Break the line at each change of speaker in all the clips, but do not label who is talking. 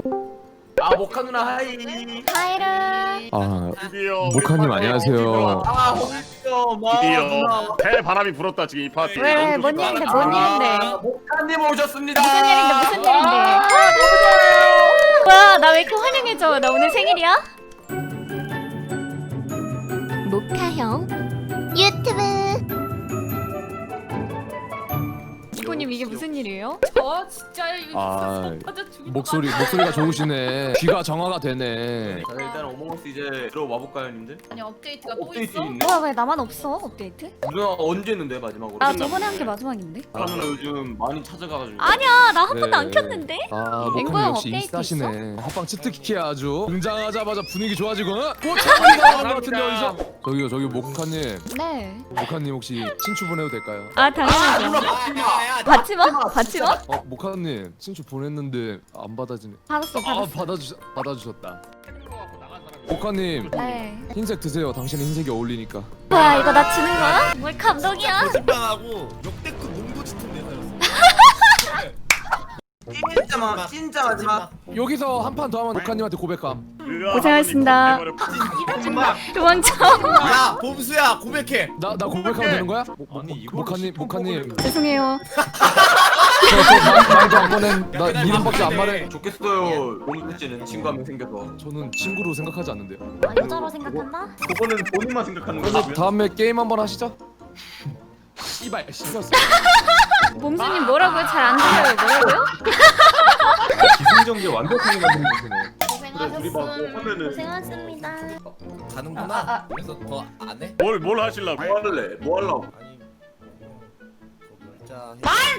아 모카 누나 하이.
하이르.
아,
드디어
모카님
우리
안녕하세요.
아 홍시요 마
드디어
누나.
대바람이 불었다 지금 이 파티.
왜, 뭔 일인데, 뭔 일인데.
모카님 오셨습니다.
무슨 일인데, 무슨 일인데. 와, 나 왜 이렇게 환영해줘? 나 오늘 생일이야? 모카형 유튜브. 이코님 이게 무슨 일이에요?
저 진짜 이거
아,
맞아 죽을
목소리가 좋으시네. 귀가 정화가 되네.
자 일단 어몽어스 이제 들어와 볼까요 님들?
아니 업데이트가 또
업데이트
있어?
있네.
뭐야, 왜 나만 없어? 업데이트?
누나 언제 했는데 마지막으로?
아, 저번에 한 게 마지막인데?
모카 누나 요즘 많이 찾아가가지고.
아니야, 나 한 번도
네.
안 켰는데?
아,
앵보형
모카님 역시
업데이트
인싸시네. 합방 치트키야 아주. 등장하자마자 분위기 좋아지고. 꽃차가 나는 것 같은데 어디서? 저기 모카님.
네.
모카님 혹시 친추 보내도 될까요?
아, 당연하죠. 받지 마? 받지 마?
모카님 친추 보냈는데 안 받아지네.
받았어,
아,
받았어.
받아주셨다. 모카님
네.
흰색 드세요. 당신은 흰색이 어울리니까.
뭐야, 이거 나 지는 거야? 뭘 감동이야?
거짓말하고 역대급 농도 짙은 내사였어.
진짜 마지막.
여기서 한 판 더 하면 모카님한테 고백함.
고생하셨습니다. 도망쳐.
야 봄수야 고백해.
나 고백하면 되는 거야?
아니, 이걸
모카님
죄송해요.
저 말도 안 보낸 나 이름밖에 안 말해.
좋겠어요. 롱수씨는 친구 한 명 생겨서.
저는 친구로 생각하지 않는데요.
아, 여자로 생각한다?
그거는 본인만 생각하는
그래서
거지.
다음에 게임 한번 하시죠. 씨발 씹었어.
몸수님 뭐라고요? 잘 안 들려요. 뭐라고요?
기승전결 완벽하게 만드는 거네.
고생하셨음.
고생하셨습니다.
가는구나. 그래서 더 안 해?
뭘 하실라고?
뭐 할래? 뭐 하려고?
아니 자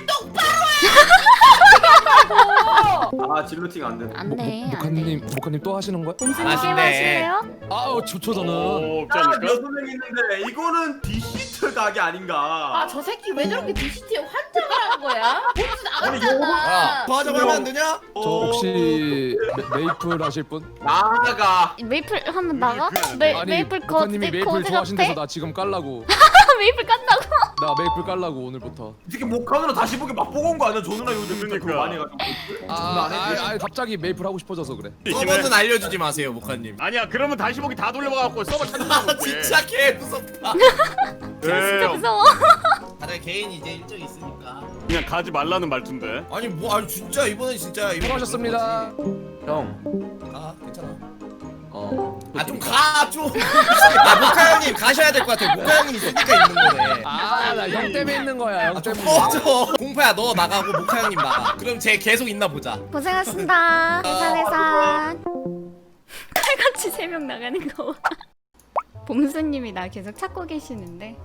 아 진로팅 안 되네.
안 돼. 안 돼.
모카님 또 하시는 거야?
몸수님 게임
아쉽네.
하실래요?
아우 좋죠 저는.
없지
아,
않을까?
여섯 명 있는데 이거는 디시트 각이 아닌가?
아 저 새끼 왜 저렇게 DCT에 환장을 하는 거야? 무슨
아니,
야
나갔잖아.
더 하자고 하면 안 되냐?
저 혹시 메이플 하실 분?
나가.
메이플 하면 나가? 메이플 거
모카님이 메이플 좋아하신대서 나 지금 깔라고.
메이플 깐다고?
나 메이플 깔라고 오늘부터.
이렇게 목하느라 다시 보기 맛보고 온 거 아니야? 저 누나 요즘 그거
그러니까.
많이 해가지고.
갑자기 메이플 하고 싶어져서 그래.
서버는 알려주지 마세요 모카님.
아니야 그러면 다시 보기 다 돌려봐갖고 서버 찾는
아
거
진짜 개 무섭다.
진짜 무서워.
다들 개인이 이제 일정이 있으니까.
그냥 가지 말라는 말투인데.
아니 뭐 아니 진짜 이번엔 진짜 이번
수고하셨습니다.
형.
아 괜찮아.
아
좀 가 좀. 아 모카 형님 가셔야 될 것 같아. 모카 형님 있으니까 있는 거네.
나 형 때문에 있는 거야. 형 때문에.
꺼져. 공파야 너 나가고 모카 형님 나가. 그럼 쟤 계속 있나 보자.
고생하셨습니다. 해산. 칼같이 3명 나가는 거. 봄수님이 나 계속 찾고 계시는데.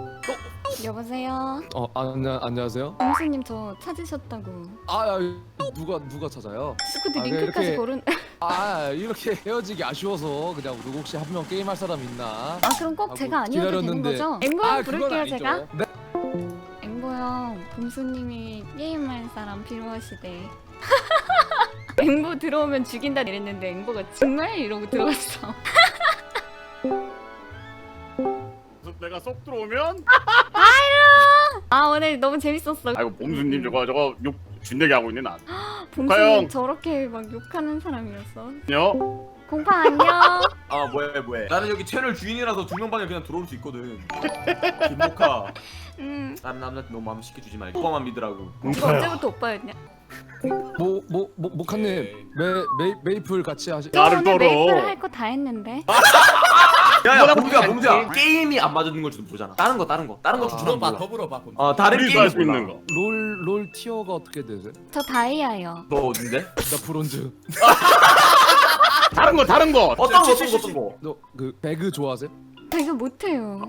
여보세요.
안녕하세요.
봄수님 저 찾으셨다고.
누가 찾아요?
스쿠드
아, 왜
링크까지
이렇게-
고른.
이렇게 헤어지기 아쉬워서 그냥 누구 혹시 한 명 게임 할 사람 있나?
아 그럼 꼭 제가 아니어도 되는 거죠? 앵보형 부를게요 제가.
네.
앵보형 봄수님이 게임할 사람 필요하시대. 앵보 들어오면 죽인다 이랬는데 앵보가 정말 이러고 들어갔어.
내가 쏙 들어오면
아 오늘 너무 재밌었어.
아이고 봄수님 저거 욕 준내게 하고 있네 난.
봄수님
가영.
저렇게 막 욕하는 사람이었어.
안녕.
공파 안녕.
아 뭐해? 나는 여기 채널 주인이라서 두 명 반에 그냥 들어올 수 있거든. 김모카. 다른 남자한테 너무 마음 쉽게 주지 말고 오빠만 믿으라고.
이거 언제부터 오빠였냐?
모카님 메이플 같이 하시.
저
나를
오늘
떨어.
메이플 할 거 다 했는데.
야야 봉주야 게임이 안 맞는 걸 좀 보잖아. 다른 거 좀
물어봐
몰라.
더 물어봐.
다른
우리도
게임
할 수 있는 거.
롤 티어가 어떻게 되세요?
저 다이아요.
너 어딘데?
나 브론즈.
다른 거.
어떤 거?
너 그 배그 좋아하세요?
저 이거 못해요.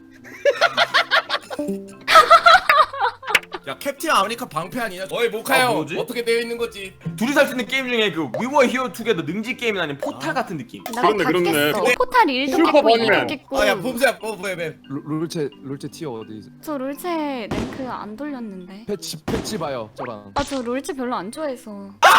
야 캡틴 아메리카 방패 아니냐? 어이 모카 형
뭐지?
어떻게 되어 있는 거지?
둘이 살 수 있는 게임 중에 그 We Were Here Together 능지 게임이 아닌 포탈 같은 느낌.
나도 다
그렇네.
깼어. 포탈 1도
슈퍼
깼고
버니맨.
2도 깼고.
아야 봄수야 뭐해?
롤체 티어 어디?
저 롤체 랭크 안 돌렸는데.
패치 봐요 저랑.
아 저 롤체 별로 안 좋아해서.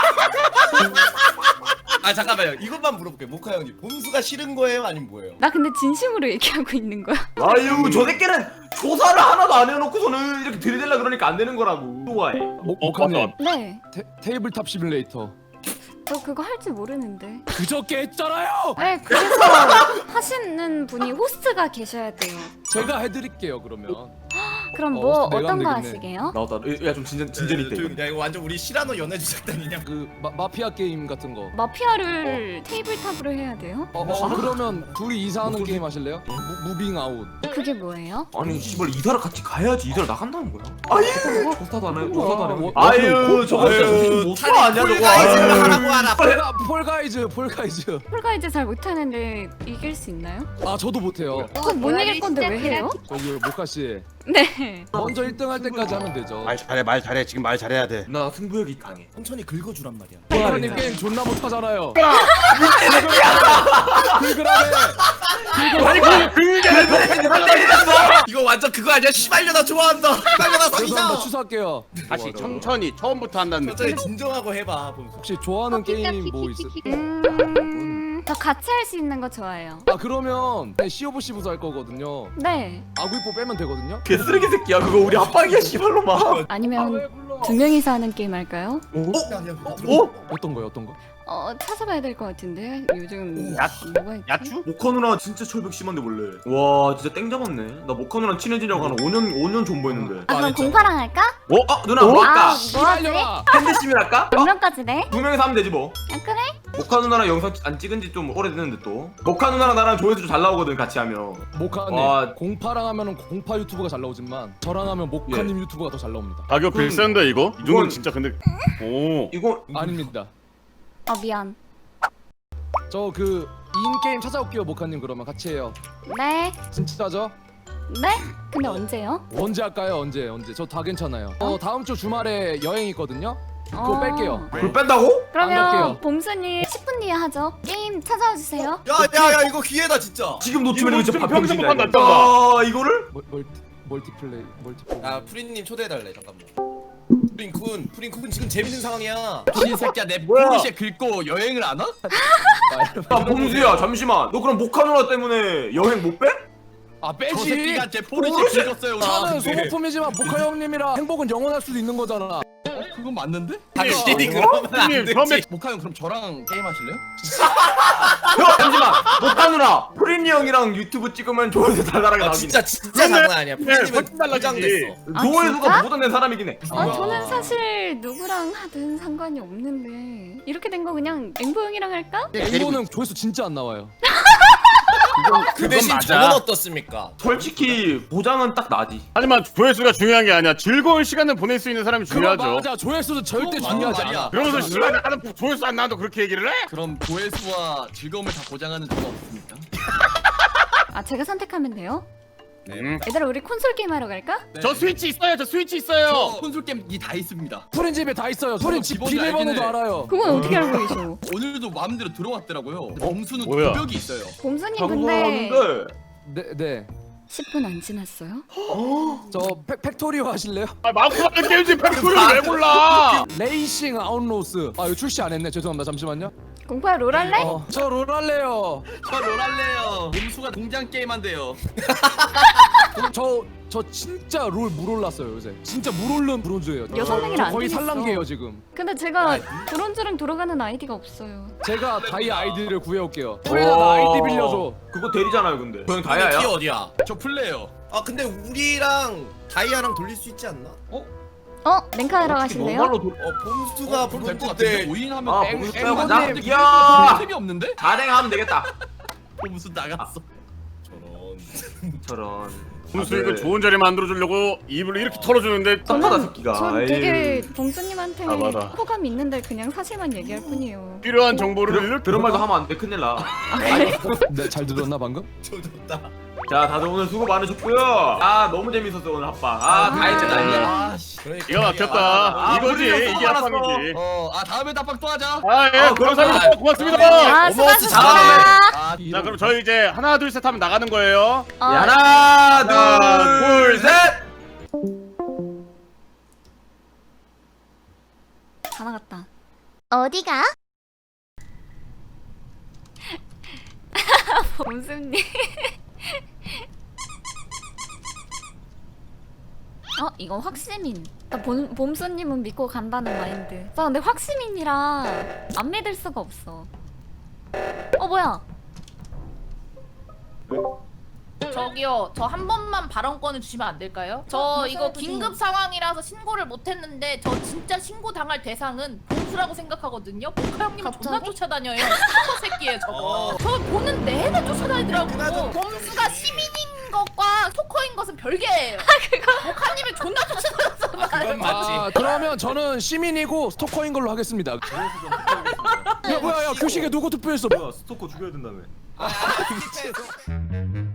아 잠깐만요. 이것만 물어볼게요. 모카 형님 봄수가 싫은 거예요? 아니면 뭐예요?
나 근데 진심으로 얘기하고 있는 거야.
아유 저 새끼는 조사를 하나도 안 해놓고서는 이렇게 들이댈라 그러니까 안 되는 거라고. 좋아해.
모카님
맞다.
네.
테이블탑 시뮬레이터.
저 그거 할 줄 모르는데.
그저께 했잖아요.
네, 그래서 하시는 분이 호스트가 계셔야 돼요.
제가 해드릴게요 그러면.
그럼 뭐
내가
어떤 거
하면 되겠네.
하시게요?
나왔다. 야좀 진전이 있다 이거.
야 이거 완전 우리 시라노 연애주 작단이냐?
그 마피아 게임 같은 거.
마피아를 테이블탑으로 해야 돼요?
그러면 둘이 이사하는 게임 하실래요? 무빙 아웃.
그게 뭐예요?
아니 씨발 이사를 같이 가야지. 이사를 나간다는 거야. 아유 조사도 안 해. 조사도 안 해.
뭐,
아유 저거 진짜 못 사 아니야 저거.
폴가이즈를
아유.
하라고 하라.
폴가이즈.
폴가이즈 잘 못하는데 이길 수 있나요?
아 저도 못해요.
그거 못 이길 건데 왜 해요?
저기 모카 씨
네.
먼저 1등 할 때까지 하면 되죠.
말 잘해 지금 말 잘해야 돼.
나 승부욕이 강해.
천천히 긁어주란 말이야.
모카님 게임 존나 못하잖아요.
이거 완전 그거 아니야? 시발려나 좋아한다. 시발려나
죄송합니다.
사귀자.
취소할게요.
다시 천천히 처음부터 한다는 느낌.
천천히 진정하고 해봐. 범수.
혹시 좋아하는 게임 뭐 있어요?
저 같이 할 수 있는 거 좋아해요.
아 그러면 COVC부터 할 거거든요.
네.
아구이뽀 빼면 되거든요.
개쓰레기 새끼야 그거 우리 압박이야 씨발로마.
아니면 두 명이서 하는 게임 할까요?
어?
어떤 거요? 어떤 거?
찾아봐야 될 것 같은데 요즘
야-
뭐가 있지?
야추?
모카 누나 진짜 철벽 심한데 원래. 와 진짜 땡 잡았네. 나 모카 누나랑 친해지려고 한 5년 존버했는데.
아 그럼 공파랑 할까?
아 누나 뭐 할까?
아 뭐하지?
팬데시밀 할까?
몇 명까지 돼?
2명이서 하면 되지 뭐.
아 그래?
모카 누나랑 영상 안 찍은 지 좀 오래됐는데 또. 모카 누나랑 나랑 조회수 좀 잘 나오거든 같이 하면.
모카님
와.
공파랑 하면은 공파 유튜브가 잘 나오지만 저랑 하면 모카님 유튜브가 더 잘 나옵니다.
가격
그럼-
비싼데 이거? 이 정도면
이건-
진짜 근데 오.
이거
아닙니다.
미안.
저 그 인게임 찾아올게요 모카님 그러면 같이 해요.
네.
진짜죠?
네? 근데 언제요?
언제 할까요? 언제? 저 다 괜찮아요. 다음 주 주말에 여행 있거든요. 그거 뺄게요.
그걸 뺀다고?
안 갈게요.
그러면 봄순이 10분 뒤에 하죠. 게임 찾아와 주세요.
야야야 이거 기회다 진짜.
지금 놓치면 이거 진짜
이거
밥병신이야.
평생 못
이거.
한다,
아 이거를?
멀티플레이.
야 프린님 초대해달래 잠깐만. 프린쿤 지금 재밌는 상황이야.
이 새끼야 내
뭐야?
포르쉐 긁고 여행을 안 와?
야 범수야 잠시만. 너 그럼 모카 누나 때문에 여행 못 빼?
아
저
빼지.
새끼가 제 포르쉐 긁었어요.
차는
근데-
소모품이지만 모카 형님이랑 행복은 영원할 수도 있는 거잖아.
그건 맞는데?
당신이 그러면 안
형님,
되지.
처음에
모카 형 그럼 저랑 게임 하실래요?
형 잠시만. 모카 누나 프린이 형이랑 유튜브 찍으면 조회수 달달하게
아,
나오긴 해.
진짜
그러네.
장난 아니야. 프린님은
훨씬 달라지지.
포장됐어.
아,
조회수가
진짜?
보다 낸 사람이긴 해.
저는 사실 누구랑 하든 상관이 없는데 이렇게 된 거 그냥 앵보 형이랑 할까?
앵보는 조회수 진짜 안 나와요.
그 대신
맞아.
저는 어떻습니까?
솔직히 보장은 딱 나지.
하지만 조회수가 중요한 게 아니야. 즐거운 시간을 보낼 수 있는 사람이 중요하죠.
맞아. 조회수는 절대
그거
중요하지
맞는
않아.
그러면서 시간이 나는 조회수 안 나도 그렇게 얘기를 해?
그럼 조회수와 즐거움을 다 보장하는 저는 없습니까?
아 제가 선택하면 돼요?
네.
얘들아 우리 콘솔 게임 하러 갈까?
저 스위치 있어요. 저 스위치 있어요.
저 콘솔 게임이 다 있습니다.
프린 집에 다 있어요. 프린 집
기본이
비밀번호도
알긴 해.
알아요.
그건 어떻게 알고 계셔?
오늘도 마음대로 들어왔더라고요. 범수는
뭐야?
도벽이 있어요.
봄순이 근데
방송하는데
네.
10분 안 지났어요?
저 팩토리오 하실래요?
아, 마크하는 게임지 팩토리를 왜 몰라?
레이싱 아웃로스. 아 이거 출시 안 했네. 죄송합니다. 잠시만요.
공파야 롤 할래?
저 롤 할래요.
저 롤할래요. 범수가 공장 게임 한대요.
저 진짜 롤 물올랐어요 요새. 진짜 물올른 브론즈예요.
6명이라
저
안
거의
되겠어.
살랑게요 지금.
근데 제가 브론즈랑 돌아가는 아이디가 없어요.
제가 다이 아이디를 구해올게요. 프린아 나 아이디 빌려줘.
그거 대리잖아요 근데. 그냥
키
다야야.
어디야?
저 플레이어.
아 근데 우리랑 다이아랑 돌릴 수 있지 않나?
랭카 하러 가실래요?
normal로
범수가
그럼 될 것
부를 때
같은데 5인 하면
아
앵-
범수
앵-
빼고
앵-
가자.
앵-
이야.
템이 없는데?
다랭하면 되겠다.
범수 나갔어.
저런.
무슨 이거 좋은 자리 만들어 주려고 입을 이렇게 털어주는데
땀바다 새끼가.
전 되게 봉수님한테
아, 맞아.
호감 있는데 그냥 사실만 얘기할 뿐이에요.
필요한 정보를 이렇게
그런 말도 하면 안 돼. 큰일 나.
네, 잘 들었나 방금?
조졌다.
자 다들 오늘 수고 많으셨고요. 아 너무 재밌었어 오늘 합방. 다 했잖아.
아 씨.
기가 막혔다. 이거지
우리 형
이게
수고 많았어.
합방이지.
다음에 답방 또 하자.
아 예, 감사합니다. 고맙습니다.
아
어머스
수고하셨습니다.
아,
자 그럼 저희 이제 하나 둘 셋 하면 나가는 거예요.
하나 둘 셋.
다 나갔다.
어디가?
범수님. 이거 확시민. 나 봄수님은 믿고 간다는 마인드. 나 근데 확시민이라 안 믿을 수가 없어. 뭐야?
저기요, 저 한 번만 발언권을 주시면 안 될까요? 저 이거 긴급 상황이라서 신고를 못했는데 저 진짜 신고 당할 대상은 봄수라고 생각하거든요. 보카 형님 존나 쫓아다녀요. 슈퍼 새끼예요 저거. 저 보는 내내 쫓아다니더라고. 봄수가 시민인 것과 스토커인 것은 별개예요. 보카님이 존나 쫓아다녔잖아요.
그러면 저는 시민이고 스토커인 걸로 하겠습니다. 야 뭐야 야 교식에 누구 투표했어?
뭐야 스토커 죽여야 된다며.
아,